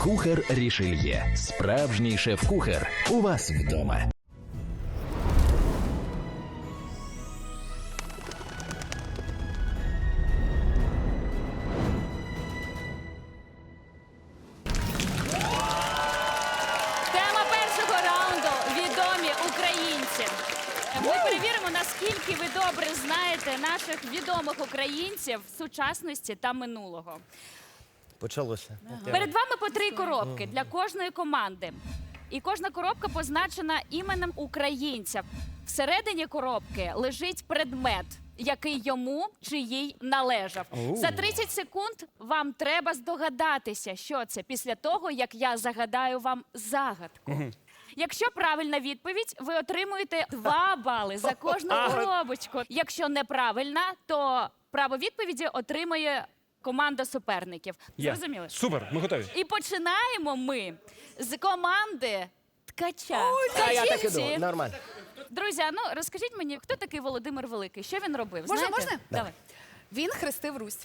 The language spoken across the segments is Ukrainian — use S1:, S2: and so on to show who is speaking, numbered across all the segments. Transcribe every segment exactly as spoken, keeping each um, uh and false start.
S1: Кухар Рішельє. Справжній шеф-кухар. У вас вдома.
S2: Тема першого раунду – відомі українці. Ми перевіримо, наскільки ви добре знаєте наших відомих українців сучасності та минулого.
S3: Почалося.
S2: Перед вами по три коробки для кожної команди. І кожна коробка позначена іменем українця. Всередині коробки лежить предмет, який йому чи їй належав. За тридцять секунд вам треба здогадатися, що це, після того, як я загадаю вам загадку. Якщо правильна відповідь, ви отримуєте два бали за кожну коробочку. Якщо неправильна, то право відповіді отримує команда суперників.
S4: Є.
S2: Зрозуміли?
S4: Супер, ми готові.
S2: І починаємо ми з команди Ткача.
S3: А я так
S2: Скажіть,
S3: іду, нормально.
S2: друзі, ну розкажіть мені, хто такий Володимир Великий? Що він робив?
S5: Можна,
S2: Знаєте?
S5: можна?
S2: Давай.
S5: Він хрестив Русь.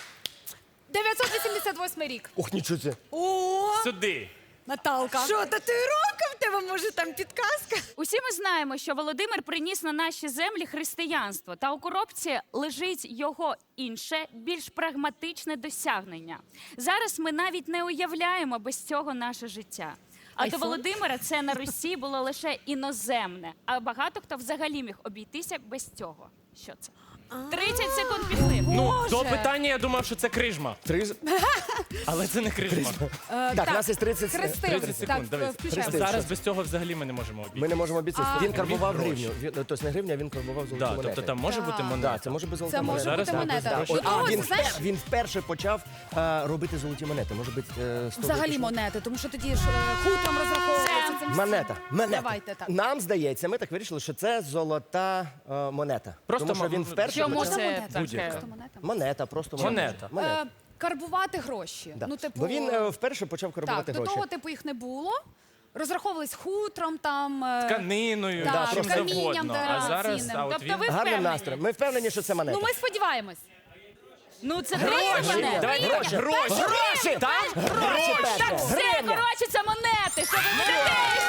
S5: дев'ятсот вісімдесят восьмий рік.
S3: Ох, нічого це.
S5: О,
S4: Сюди.
S5: Наталка. Що, татуїровка в тебе, може, там підказка?
S2: Усі ми знаємо, що Володимир приніс на наші землі християнство, та у коробці лежить його інше, більш прагматичне досягнення. Зараз ми навіть не уявляємо без цього наше життя. А до Володимира це на Русі було лише іноземне, а багато хто взагалі міг обійтися без цього. Що це? тридцять секунд пішли.
S4: Ну,
S5: Боже.
S4: до питання я думав, що це крижма.
S3: Три...
S4: Але це не крижма.
S5: Е,
S3: Так, у нас є тридцять
S5: Хрестив.
S4: тридцять секунд,
S5: Так,
S4: дивись.
S5: включаємо.
S3: Хрестив.
S4: Зараз без цього взагалі ми не можемо обійти.
S3: Ми не можемо обіцяти.
S5: А,
S3: Він карбував
S4: він гроші.
S3: гривню. Він- Тобто не гривня, він карбував золоті
S4: Да,
S3: монети.
S4: тобто там може бути
S3: Так,
S4: монета.
S3: це може бути золота
S5: Це може
S3: монета.
S4: Зараз
S5: бути
S4: ми
S5: монета.
S3: Да.
S5: До
S3: О,
S5: того,
S3: А, він,
S5: це, знаєш,
S3: впер- він вперше почав е, робити золоті монети. Може бути, е, сто
S5: взагалі
S3: випущено?
S5: монети, тому що тоді ж е, хутром розраховується. цим всім.
S3: Монета. Монета.
S5: Давайте так.
S3: Нам здається, ми так вирішили, що це золота е, монета.
S4: Просто
S3: Тому що
S4: м-
S3: він вперше
S2: Чому
S3: почав...
S2: це
S5: Монета.
S4: Будь-яка.
S5: Просто монета.
S3: Монета, просто
S4: Монета.
S3: монета.
S5: Е, Карбувати гроші.
S3: Да.
S5: Ну, типу,
S3: Бо він е, вперше почав карбувати
S5: так, до
S3: гроші.
S5: того, типу, їх не було. Розраховувались хутром, там... е,
S4: Тканиною,
S5: Так,
S4: да, чим
S5: камінням
S4: завгодно. А зараз,
S5: дорогоцінним.
S4: а от
S2: Тобто
S4: він...
S2: ви
S3: Гарним
S2: впевнені?
S3: настроєм. Ми впевнені, що це монета.
S5: Ну, ми сподіваємось.
S2: Ну це гроші!
S3: Гроші.
S4: Давай,
S3: Гроші.
S4: гроші.
S3: Гроші!
S4: Так?
S3: Гроші перше.
S2: Все, коротше, це монети! Що ви ведетесь?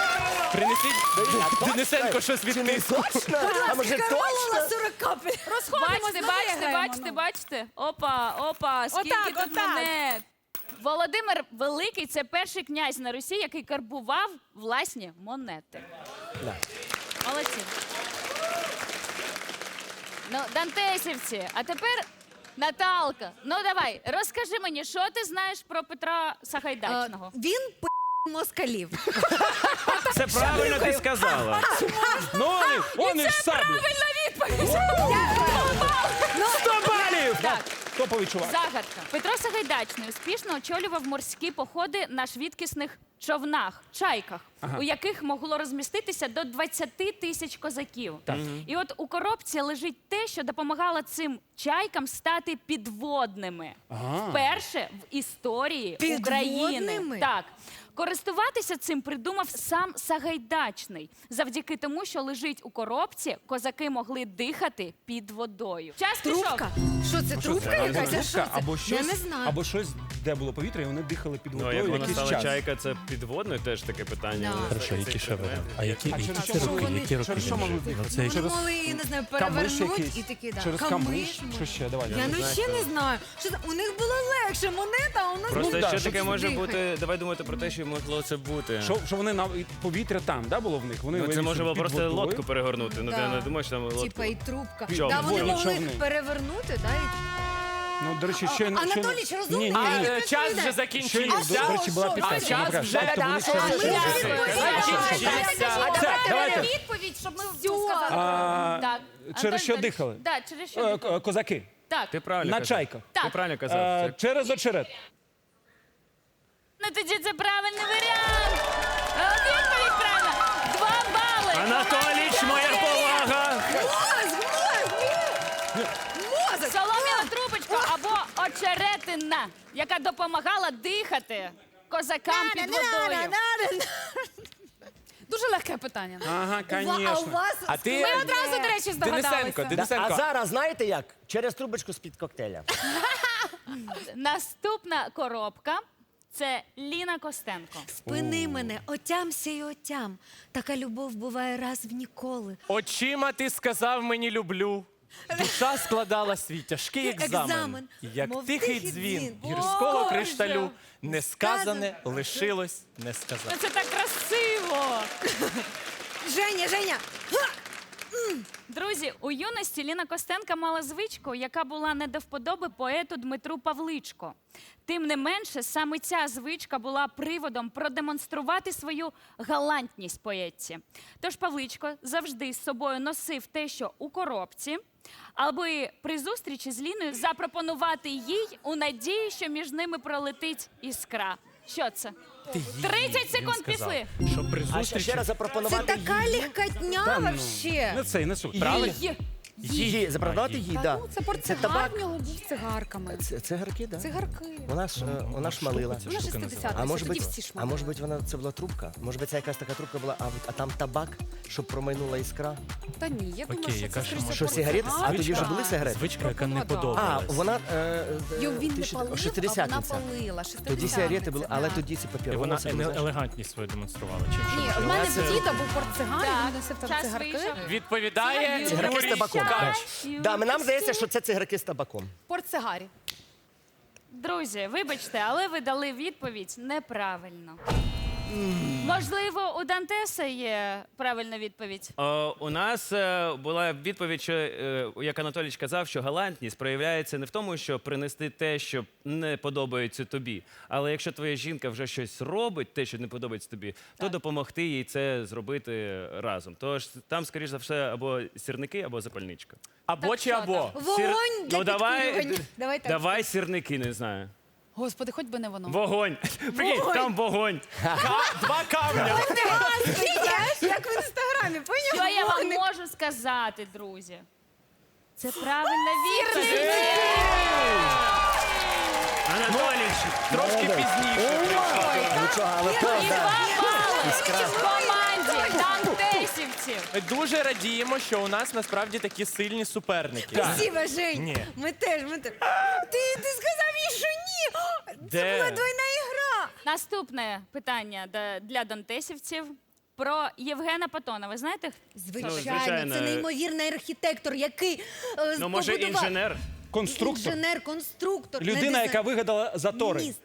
S4: Принесіть Денисенко щось від
S3: Чи не
S4: тиску.
S3: точно? А може точно?
S5: сорок капель. Розходимось,
S2: Бачите,
S5: давай
S2: бачите,
S5: граємо,
S2: бачите,
S5: ну.
S2: бачите? Опа, опа, скільки
S5: Отак,
S2: тут
S5: отак.
S2: монет. Володимир Великий – це перший князь на Русі, який карбував власні монети.
S3: Да.
S2: Молодці. Ну, дантесівці, а тепер Наталка. Ну давай, розкажи мені, що ти знаєш про Петра Сагайдачного?
S6: Е, Він п*** москалів.
S4: Це правильно ти сказала. Ну, вони, вони ж саблі.
S2: Правильна відповідь!
S4: Сто балів!
S2: Так.
S4: Топовий чувак.
S2: Загадка. Петро Сагайдачний успішно очолював морські походи на швидкісних човнах, чайках, у яких могло розміститися до двадцяти тисяч козаків. І от у коробці лежить те, що допомагало цим чайкам стати підводними. Вперше в історії України.
S6: Підводними?
S2: Так. Користуватися цим придумав сам Сагайдачний. Завдяки тому, що лежить у коробці, козаки могли дихати під водою. Час пішов.
S6: Трубка? Що це, трубка якась? А що це?
S7: Або
S6: Я
S7: щось,
S6: не знаю.
S7: або щось, де було повітря, і вони дихали під
S8: Ну, а
S7: водою
S8: як вона
S7: якийсь
S8: стала
S7: час.
S8: чайка, це підводною теж таке питання.
S6: Да.
S9: Хорошо, які ще варіанти? А які,
S7: А
S9: які,
S7: через
S9: які
S7: що
S9: роки,
S6: вони-
S9: які роки
S7: через що
S9: він
S7: могли
S9: жив?
S7: дихати?
S9: Ну, це
S6: Вони
S9: якщо-
S6: могли, я не знаю,
S7: Камиш
S6: перевернуть
S7: якийсь?
S6: і такі, да.
S7: Через камиш?
S6: може.
S7: Що ще? Давай.
S6: Я ну ще не знаю. Що це? У них було легше монета, а у нас
S8: Просто
S7: Ну, да,
S8: ще
S7: щоб
S8: таке може
S6: дихати.
S8: бути. Давай думати про те, що могло це бути.
S7: Що, що вони на і повітря там, да, було в них? Вони
S8: Ну, це
S7: вилізли
S8: може було
S7: під
S8: просто
S7: водою.
S8: лодку перегорнути. Ну, ти
S6: Да.
S8: не думаєш, там лодку.
S6: типа і трубка.
S8: Човни.
S6: Да, вони
S7: Водні
S6: могли
S7: човни.
S6: перевернути, да, і...
S7: Ну, до речі, ще...
S6: Анатолій, чи розумний?
S7: Ні, ні,
S4: А,
S7: ні.
S4: е, час вже
S7: Ще,
S4: закінчився.
S7: до речі, була
S4: А
S7: підказка.
S4: час
S7: Добре,
S4: вже
S7: тобто вони ще-
S4: закінчився.
S7: Все, давайте.
S5: Відповідь, щоб ми
S7: А,
S2: Так.
S7: через що
S2: Антон,
S7: дихали?
S2: Так, через що
S7: Е,
S2: дихали.
S7: к- Козаки.
S2: Так.
S8: Ти правильно
S7: На
S8: казав.
S7: чайках.
S8: Ти
S2: Так.
S8: правильно казав.
S7: Е,
S8: Це-
S7: Через очерет.
S2: Ну тоді це правильний варіант. А от відповідь правильна. Два бали.
S8: Анатоліч, моя повага!
S2: Солом'яна трубочка або очеретина, яка допомагала дихати козакам під водою.
S5: Дуже легке питання.
S7: Ага,
S6: А у
S7: звісно.
S6: вас...
S4: А ти,
S5: Ми одразу, до речі,
S4: Денисенко,
S5: здогадалися.
S3: А
S4: Денисенко,
S3: зараз знаєте як? Через трубочку з-під коктейля.
S2: Наступна коробка Це Ліна Костенко.
S6: Спини мене, отямся і отям. Така любов буває раз в ніколи.
S9: Очима ти сказав мені люблю. Душа складала свій тяжкий екзамен.
S6: Екзамен,
S9: Як
S6: мов
S9: тихий
S6: тихий
S9: дзвін
S6: дзвін.
S9: гірського
S2: Боже!
S9: кришталю. Несказане
S6: Сказане
S9: лишилось несказане.
S2: Ну, це так красиво.
S6: Женя, Женя!
S2: Друзі, у юності Ліна Костенка мала звичку, яка була не до вподоби поету Дмитру Павличко. Тим не менше, саме ця звичка була приводом продемонструвати свою галантність поетці. Тож Павличко завжди з собою носив те, що у коробці, аби при зустрічі з Ліною запропонувати їй у надії, що між ними пролетить іскра. Що це? тридцять секунд пішли.
S9: Що при
S3: А ще,
S9: зустрічі
S3: ще раз
S6: Це
S3: запропонувати
S6: така легкотня вообще.
S7: Не цей, не суть.
S3: правильно?
S2: Їй.
S3: Її, запропонувати її,
S5: Та
S3: да.
S5: ну, це
S3: Це
S5: портсигар
S3: табак.
S5: в нього був з цигарками.
S3: Це цигарки, да.
S5: Цигарки.
S3: Вона ж, е, вона ж малила.
S5: Вона шістдесят,
S3: А може
S5: тоді
S3: бути,
S5: всі ж
S3: а
S5: мали.
S3: може бути, вона це була трубка? Може бути, це якась така трубка була, а, а там табак, щоб промайнула іскра?
S5: Та ні, я думаю,
S9: Окей,
S5: що
S9: яка
S5: це
S9: ще
S5: скоріше
S9: може
S3: Що, сигарети? А
S5: портсигар.
S3: тоді вже були сигарети?
S9: звичка, яка не
S5: Пропонувала.
S3: А,
S9: подобалась.
S3: вона е, е,
S5: Його він не
S3: тисяч-
S5: палив, а вона
S3: шестидесятниця.
S5: палила.
S3: Тоді сигарети були, але
S5: да.
S3: тоді ці
S9: І
S3: папір.
S9: вона
S3: це було,
S9: еле-
S3: знаєш.
S9: елегантність свою демонструвала. Чим що?
S5: Ні, в мене в діда був портсигар,
S2: Так,
S5: він носив там
S2: час
S5: цигарки.
S2: вийшов.
S9: Відповідає
S3: Цигарки з
S9: Юрій
S3: табаком.
S9: Ткач.
S3: Да, ми- нам здається, що це цигарки з табаком.
S5: Портсигарі.
S2: Друзі, вибачте, але ви дали відповідь неправильно. Можливо, у Дантеса є правильна відповідь.
S8: О, у нас е, була відповідь, що, е, як Анатолій казав, що галантність проявляється не в тому, що принести те, що не подобається тобі. Але якщо твоя жінка вже щось робить, те, що не подобається тобі, то допомогти їй це зробити разом. Тож там, скоріш за все, або сірники, або запальничка.
S9: Або
S2: Так
S9: чи
S2: що
S9: або.
S2: там?
S6: Вогонь для
S8: ну давай,
S6: підкурювання.
S5: Давай так.
S8: давай сірники, не знаю.
S5: Господи, хоч би не воно.
S8: Вогонь. Прикинь, там вогонь.
S9: Два камня.
S6: Знаєш, як в інстаграмі,
S2: Що
S6: поняв?
S2: я вам можу сказати, друзі? Це правильна відповідь.
S8: Анатолій,
S9: Трошки пізніше.
S3: Нічого, але
S2: І
S3: правда.
S2: два бали в команді Дантесівців.
S9: Ми дуже радіємо, що у нас насправді такі сильні суперники.
S6: Спасибо, Жень.
S9: Ні.
S6: Ми теж, ми теж. Ти, ти сказав їй, що ні. Це
S9: Де?
S6: була двойна ігра.
S2: Наступне питання да- для дантесівців про Євгена Патона. Ви знаєте?
S6: Звичайно,
S8: звичайно.
S6: це неймовірний архітектор, який е,
S8: ну може
S6: побудував-
S8: інженер?
S7: Конструктор.
S6: Інженер, конструктор. не
S7: Людина,
S6: дизайн-
S7: яка вигадала затори.
S6: Міністр.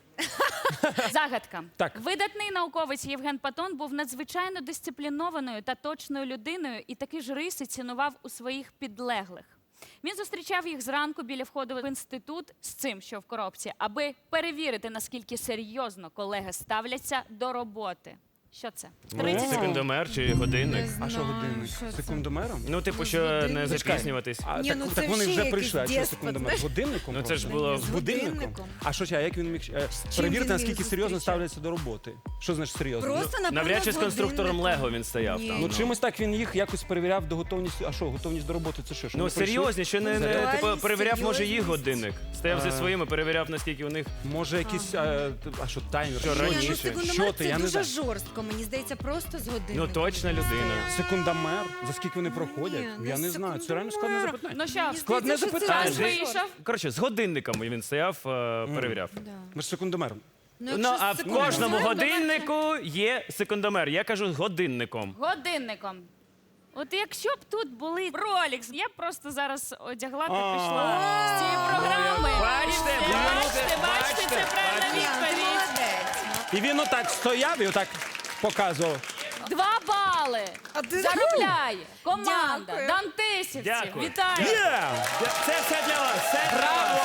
S2: Загадка.
S7: Так.
S2: Видатний науковець Євген Патон був надзвичайно дисциплінованою та точною людиною і такі ж риси цінував у своїх підлеглих. Він зустрічав їх зранку біля входу в інститут з цим, що в коробці, аби перевірити, наскільки серйозно колеги ставляться до роботи. Що це? тридцять секунд.
S8: Секундомер чи годинник?
S7: А що годинник? Секундомером?
S8: Ну, типу, що не запізнюватись.
S7: А,
S6: Ні,
S7: так,
S6: ну
S7: так
S6: це
S7: вони
S6: вже
S7: вже
S6: якийсь
S7: прийшли. А що
S6: деспот,
S7: секундомер?
S6: знаєш?
S7: Годинником?
S8: Ну, це ж
S7: просто?
S8: було
S6: З
S7: Годинником?
S6: годинником.
S7: А що, а як він міг е,
S6: він
S7: перевірити,
S6: міг
S7: наскільки серйозно
S6: зустрічати?
S7: ставляться до роботи? Що значить серйозно?
S6: Просто, напевно,
S8: Навряд чи з конструктором
S6: годинником.
S8: Лего він стояв
S6: Ні.
S8: там.
S7: Ну,
S8: ну.
S7: чимось так він їх якось перевіряв до готовності. А що, готовність до роботи це що? що
S8: Ну,
S7: вони прийшли?
S8: серйозні, що не, не
S6: Реальність,
S8: типу, перевіряв, може, їх
S6: серйозність.
S8: годинник. Стояв зі своїми, перевіряв, наскільки у них.
S7: Може, якийсь, а, а що, таймер?
S8: Що,
S7: Що,
S8: раніше?
S6: Ні, ну,
S8: Що
S6: секундомер
S7: Що ти,
S6: це
S7: я не
S6: дуже
S7: знаю.
S6: жорстко, мені здається, просто з годинником.
S8: Ну, точна людина.
S7: Секундомер? За скільки вони проходять?
S6: Ні,
S7: Я
S6: ну,
S7: не знаю. Це реально складне
S6: секундомер.
S7: запитання.
S2: Ну що,
S7: Складне
S6: Здається, що це
S7: запитання.
S2: час
S6: дуже
S2: вийшов.
S8: Коротше, з годинниками він стояв, е, перевіряв.
S7: Ми ж секундомером.
S6: Ну,
S8: Ну,
S6: якщо
S8: а в
S6: секундомер-
S8: кожному годиннику є секундомер. Я кажу з годинником.
S2: Годинником. От якщо б тут були Rolex, я б просто зараз одягла та пішла з цієї програми.
S8: Бачите,
S2: І все.
S8: бачите,
S2: бачите, бачите, це правильна
S6: Ні, ти
S2: відповідь.
S6: молодець.
S7: І він отак стояв і отак показував.
S2: Два бали.
S6: А ти-
S2: Заробляє команда
S6: Дякую.
S2: Дантесівців.
S8: Дякую.
S2: Вітаю.
S7: Є!
S8: Це все для вас. Все браво!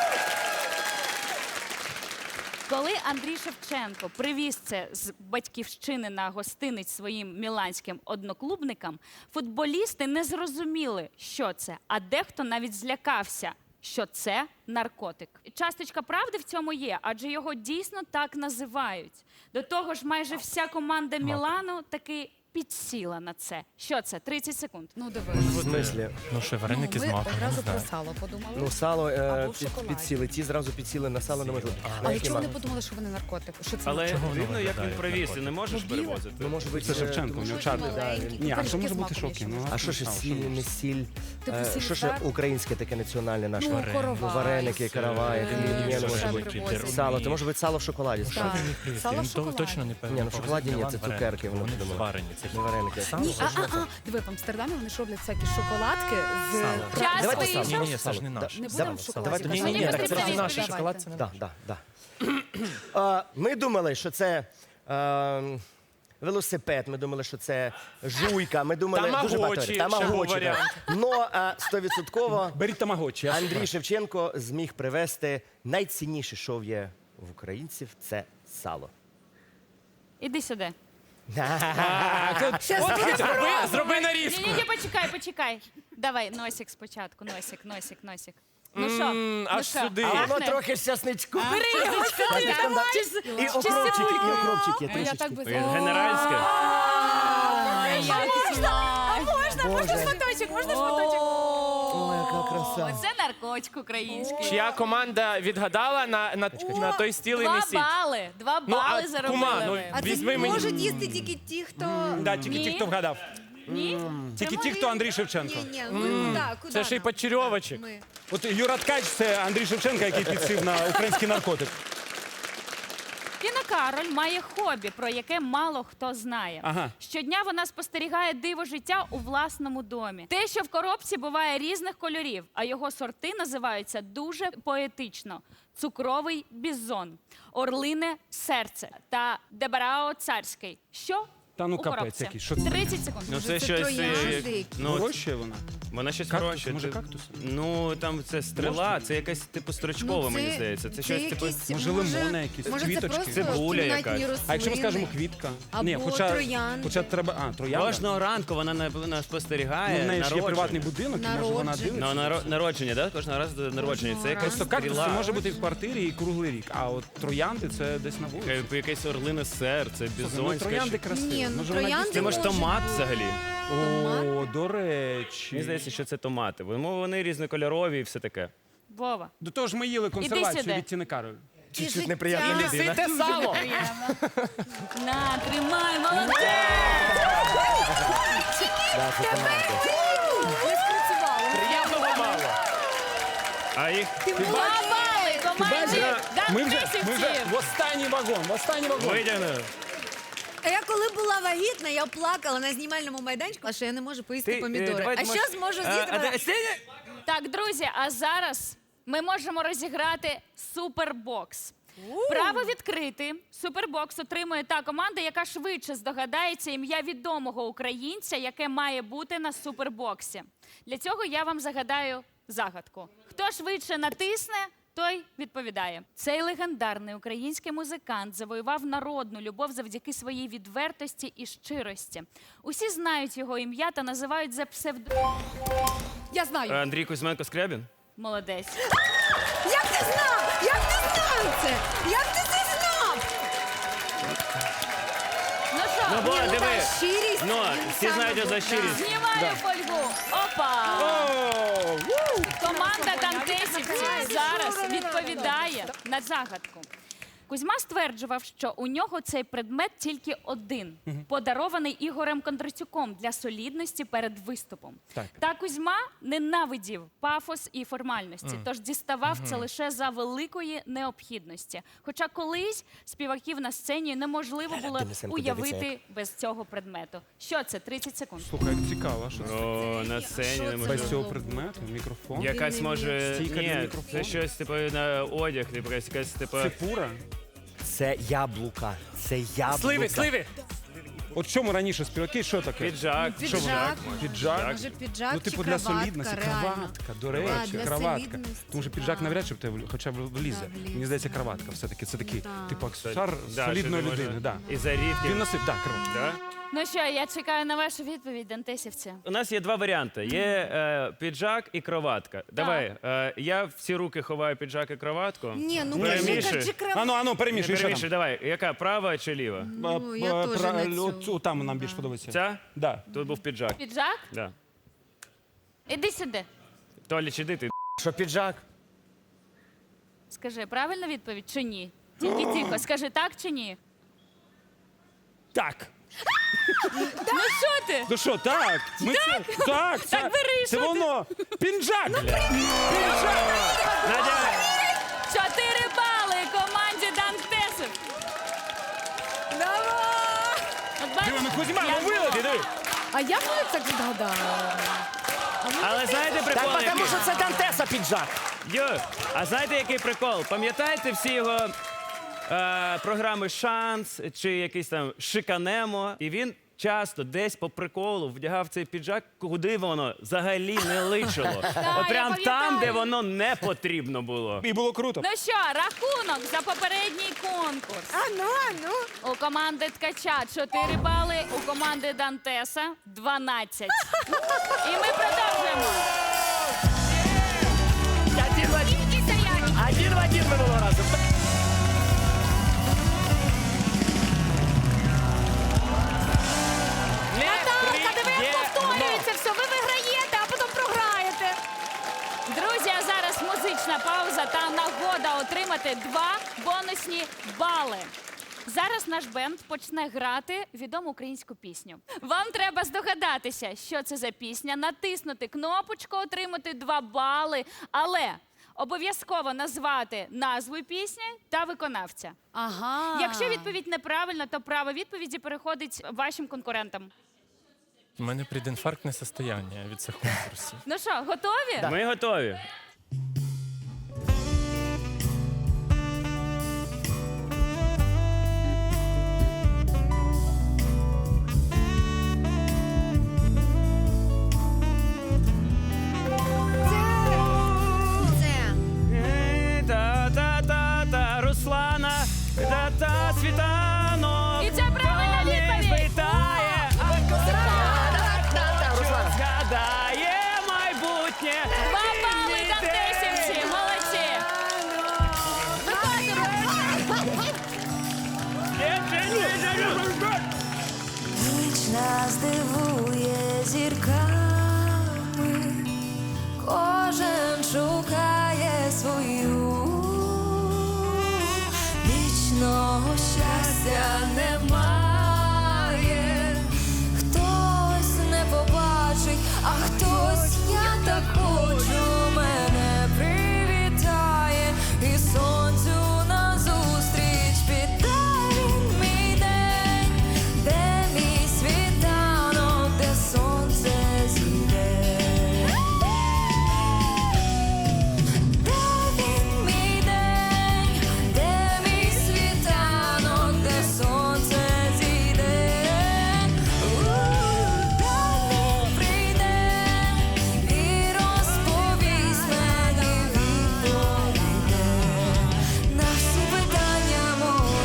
S2: Коли Андрій Шевченко привіз це з батьківщини на гостиниць своїм міланським одноклубникам, футболісти не зрозуміли, що це, а дехто навіть злякався, що це наркотик. Часточка правди в цьому є, адже його дійсно так називають. До того ж, майже вся команда Мілану таки підсіла на це. Що це? тридцять секунд.
S5: Ну, диви.
S3: В смислі?
S9: Ну що, вареники
S5: Ну,
S9: з
S5: ми
S9: маком, не
S5: одразу
S9: знаю.
S5: про сало подумали.
S3: Ну, сало е,
S5: Або в
S3: під,
S5: шоколаді.
S3: підсіли. Ті зразу підсіли на сало, не можу.
S5: Але чого вони подумали, що вони наркотик? Що це
S8: Але
S9: Чого воно
S8: дивно, як
S9: виглядає
S8: він
S9: як
S8: провіз, ти
S9: наркотик?
S8: не можеш
S5: Ну, біле.
S8: перевозити.
S3: Ну, може бути,
S7: Це
S3: е,
S7: Шевченко, у
S3: тому
S7: нього
S3: що
S7: чарли.
S5: маленький.
S7: Ні, а що
S5: Пиріжки
S7: може
S5: з
S7: бути
S5: маком
S7: шоки?
S5: ще.
S7: Ну,
S3: А що ж
S7: сало,
S3: сіль, не сіль?
S5: Типу
S3: Е,
S5: сіль,
S3: Що ж
S5: так?
S3: українське таке національне наше?
S5: Ну, коровай.
S3: Вареники, каравай,
S5: Е,
S3: хліб, ні, не
S5: що
S3: може
S5: ще
S3: бути.
S5: привозять?
S3: Сало, це може бути сало в шоколаді.
S5: Так.
S3: справді.
S5: Сало в
S9: Він то-
S5: шоколаді.
S9: точно не певно.
S3: Ні, ну в шоколаді ні, це цукерки, вони
S9: Вони
S3: придумали.
S9: зварені. Це
S3: Не вареники.
S5: Ні, а, а, а, диви, в Амстердамі вони ж роблять всякі шоколадки з...
S9: Сало.
S5: Пра-
S2: Час
S3: Давайте
S2: вийшов.
S3: сало.
S9: Ні, ні, це ж не
S3: Да.
S9: наш.
S5: Не
S3: Давай,
S5: будемо в шоколаді.
S3: давайте
S9: Ні, ні,
S2: Мені
S9: ні,
S2: потрібна
S9: це ж не наш
S2: відповідь.
S9: шоколад, це не
S3: Да, да, да. А, Ми думали, що це е, велосипед, ми думали, що це жуйка, ми думали дуже багато.
S9: Тамагочі,
S3: Тамагочі,
S9: ще був
S3: так. Но е, стовідсотково
S7: Беріть тамагочі. я
S3: Андрій
S7: слухаю.
S3: Шевченко зміг привезти найцінніше, що є в українців, це сало.
S2: Іди сюди.
S9: Зроби, зроби нарізку.
S2: Ні, ні, ні, почекай, почекай. Давай, носик спочатку, носик, носик, носик. Ну що?
S9: М,
S2: Ну
S9: аж
S2: що,
S9: сюди.
S3: А воно
S2: пахне?
S3: трохи з часничку.
S2: Бери його сюди, давай.
S3: І окропчики, і окропчики
S5: Ой, я так
S3: трішечки.
S5: би... О,
S8: Генеральське.
S2: Ой, як смачно.
S3: Боже,
S5: шматочок, можна шматочок?
S3: о, яка краса.
S2: Оце наркотик український.
S9: Чия команда відгадала на, на, на той стіл і
S2: Два
S9: несіть.
S2: бали, два
S9: Ну, а,
S2: бали
S9: кума,
S2: заробили
S9: ну,
S2: ви.
S6: А це
S9: Візьми мені.
S6: можуть їсти тільки ті, хто...
S7: Да, тільки
S2: Ні.
S7: ті, хто вгадав.
S2: Ні?
S7: Тільки ті, хто Андрій Шевченко.
S6: Ні, ні, ну так, куди
S9: Це ще й
S6: нам?
S9: почерьовочок.
S6: Ми.
S7: От Юра Ткач – це Андрій Шевченко, який підсів на український наркотик.
S2: Тіна Кароль має хобі, про яке мало хто знає.
S7: Ага.
S2: Щодня вона спостерігає диво життя у власному домі. Те, що в коробці буває різних кольорів, а його сорти називаються дуже поетично: цукровий бізон, орлине серце та дебарао царський. Що?
S7: Та ну
S2: у
S7: капець
S2: коробці?
S7: який, що це?
S2: тридцять секунд.
S8: Ну
S6: Може,
S8: це
S6: це
S8: щось.
S6: троянди
S8: е,
S6: які?
S8: Ну,
S7: Вирощує вона?
S8: вона щось
S7: Кактус,
S8: вирощує.
S7: може,
S8: Ти-
S7: кактус?
S8: Ну там це стрела, це якась типу строчкова,
S6: Ну,
S8: мені здається. Це щось типу.
S6: якісь,
S7: Може, лимони якісь,
S6: може,
S7: квіточки?
S6: Це просто
S8: Цибуля
S6: кімнатні
S8: якась.
S6: рослини.
S7: А якщо ми скажемо квітка?
S6: Або
S7: Ні, хоча,
S6: троянди.
S7: хоча треба... А, троянда?
S8: Кожного ранку вона на- на- спостерігає.
S7: Ну, в неї ж є
S8: народження.
S7: приватний будинок, і може вона
S6: Народження.
S7: дивиться.
S8: Ну, наро- народження, да? Кожного разу народження. Це якась
S7: Просто кактус
S8: стріла.
S7: може бути і в квартирі і круглий рік, а от троянди – це десь на вулиці.
S8: Яке- Якесь орлине серце,
S7: Ну,
S8: бізонське.
S7: троянди
S8: що-
S7: красиві.
S6: Ні, ну,
S7: Може, вона
S6: троянди
S7: дійсно-
S8: Це може
S6: може
S8: томат
S6: бути.
S8: взагалі.
S7: О, до речі.
S8: Мені здається, що це томати. Вони вони різнокольорові і все таке.
S2: Вова.
S7: До того ж ми їли консервацію
S2: сюди.
S7: від Тіни Кароль.
S3: Чуть-чуть неприємна
S6: життя.
S3: людина.
S9: Несите сало.
S2: На, тримай, молодець!
S3: Да, це томати.
S5: Не спрацювало.
S9: Приємного мало.
S8: А їх
S2: Два бали команді
S7: Ми вже, ми вже
S2: Дантесівців!
S7: в останній вагон, в останній вагон.
S8: витягнули.
S6: А я коли була вагітна, я плакала на знімальному майданчику, а що я не можу поїсти
S8: Ти,
S6: помідори.
S8: е, давай,
S6: а
S8: може-
S6: що зможу
S8: А,
S6: з'їсти?
S8: а, де- Сеня?
S2: Так, друзі, а зараз ми можемо розіграти супербокс. Право відкрити супербокс отримує та команда, яка швидше здогадається ім'я відомого українця, яке має бути на супербоксі. Для цього я вам загадаю загадку. Хто швидше натисне, той відповідає. Цей легендарний український музикант завоював народну любов завдяки своїй відвертості і щирості. Усі знають його ім'я та називають за псевдо...
S5: Я знаю.
S8: Андрій Кузьменко Скрябін?
S2: Молодець.
S6: Як ти знав? Як ти знав це? Як ти це знав?
S2: Ну що,
S8: Ну, бо,
S6: Ні, ну,
S8: диви.
S6: та щирість.
S8: Ну,
S6: він
S8: всі
S6: сам
S8: знають його за
S6: був,
S8: щирість.
S6: да.
S2: знімаю фольгу. Опа!
S7: О, ву!
S2: Команда Дантесівців зараз відповідає на загадку. Кузьма стверджував, що у нього цей предмет тільки один, подарований Ігорем Кондрацюком для солідності перед виступом.
S7: Так.
S2: Та Кузьма ненавидів пафос і формальності, тож діставав це лише за великої необхідності. Хоча колись співаків на сцені неможливо було
S3: Денисенко
S2: уявити
S3: дивиться,
S2: без цього предмету. Що це? тридцять секунд.
S7: Слухай, як цікаво, що це?
S8: О, на сцені
S6: Що
S8: не
S6: це?
S8: можу.
S7: Без цього предмету, мікрофон.
S8: Якась може.
S7: Стійка для
S8: Ні,
S7: мікрофону.
S8: це щось типу на одяг, типу якась типу.
S7: Це фура?
S3: Це яблука. Це яблука.
S9: Сливи, сливи.
S7: От в чому раніше співаки, що таке?
S8: Піджак.
S6: Піджак.
S7: Піджак?
S6: Може, піджак
S7: Ну,
S6: чи
S7: типу для
S6: краватка,
S7: солідності,
S6: реально.
S7: краватка, до
S6: А,
S7: речі,
S6: для
S7: краватка.
S6: солідності,
S7: Тому що піджак
S6: да.
S7: навряд чи в тебе хоча б влізе.
S6: Да, влізе.
S7: Мені здається, краватка все-таки. Це такий,
S6: Да.
S7: типу, аксесуар
S8: Да,
S7: солідної
S8: що ти
S7: людини.
S8: можеш-
S7: Да.
S8: І зарідки.
S7: Він носив, так, коротше.
S8: Да?
S2: Ну що, я чекаю на вашу відповідь, дантесівці.
S8: У нас є два варіанти: є е, піджак і кроватка. Давай, е, я всі руки ховаю піджак і кроватку.
S6: Ні, ну
S8: Перемішуй.
S6: кажи, кажи крав...
S7: Ану, ану, перемішуй, що там.
S8: Перемішуй, давай. Яка, права чи ліва?
S6: Ну, я
S7: Е,
S6: теж
S7: пра-
S6: на цю.
S7: Оцю там нам більш подобається.
S8: Ця?
S7: Да.
S8: Тут був піджак.
S2: Піджак?
S8: Да.
S2: Іди сюди.
S8: Толіч, іди ти.
S3: Що піджак?
S2: Скажи, правильна відповідь чи ні? Тільки тихо, скажи так чи ні?
S7: Так.
S2: Ну що ти?
S7: Ну що, так? Ми це, так, це,
S2: Так бери,
S7: це
S2: що ти?
S7: воно. Пінжак. Пінжак.
S8: Надя!
S2: Чотири бали команді Дантесів.
S5: Давай!
S2: От бачиш,
S7: Диви, ну Кузьма,
S2: я
S7: ну вилети, диви.
S5: А як вони так відгадали?
S8: Але знаєте
S3: Так,
S8: прикол,
S3: тому
S8: який?
S3: що це Дантеса піджак.
S8: Йо, а знаєте, який прикол? Пам'ятаєте всі його е, програми «Шанс» чи якийсь там «Шиканемо»? І він часто десь по приколу вдягав цей піджак, куди воно взагалі не личило. От
S2: я
S8: прям там,
S2: пам'ятаю.
S8: де воно не потрібно було.
S7: І було круто.
S2: Ну що, рахунок за попередній конкурс.
S5: А ну, а ну.
S2: У команди Ткача чотири бали, у команди Дантеса дванадцять. І ми продовжуємо.
S3: Один в один. Один в один минулого разу.
S5: Наталка, диви, як повторюється все. Ви виграєте, а потім програєте.
S2: Друзі, а зараз музична пауза та нагода отримати два бонусні бали. Зараз наш бенд почне грати відому українську пісню. Вам треба здогадатися, що це за пісня, натиснути кнопочку, отримати два бали, але обов'язково назвати назву пісні та виконавця.
S5: Ага.
S2: Якщо відповідь неправильна, то право відповіді переходить вашим конкурентам.
S9: У мене предінфарктне состояння від цих конкурсів.
S2: Ну що, готові?
S8: Ми готові.
S6: Це.
S8: Та-та-та-та, Руслана, та-та, Світанок.
S2: І це правильна
S8: Хто не
S2: відповідь.
S8: спитає, а
S3: Та-та,
S8: що
S3: Руслан.
S8: згадає майбутнє.
S2: Два бали Дантесівці, молодці.
S10: Ніч нас дивує зірками, кожен шукає свою. Вічного щастя немає, хтось не побачить, а хтось, я так хочу, мене привітає і сонцю назустріч піде він мій день, де мій світанок, де сонце зійде. Де він мій день, де мій світанок, де сонце зійде. Дай він прийде і розповість мені, відповіде на всі питання мої.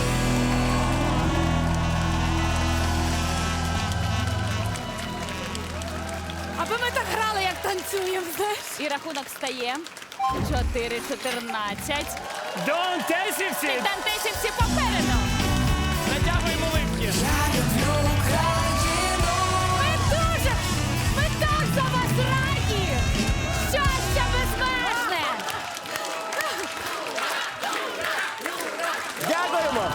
S5: Аби ми так грали, як танцюємо, знаєш.
S2: І рахунок стає чотири чотирнадцять.
S8: Дантесівці!
S2: Дантесівці попереду!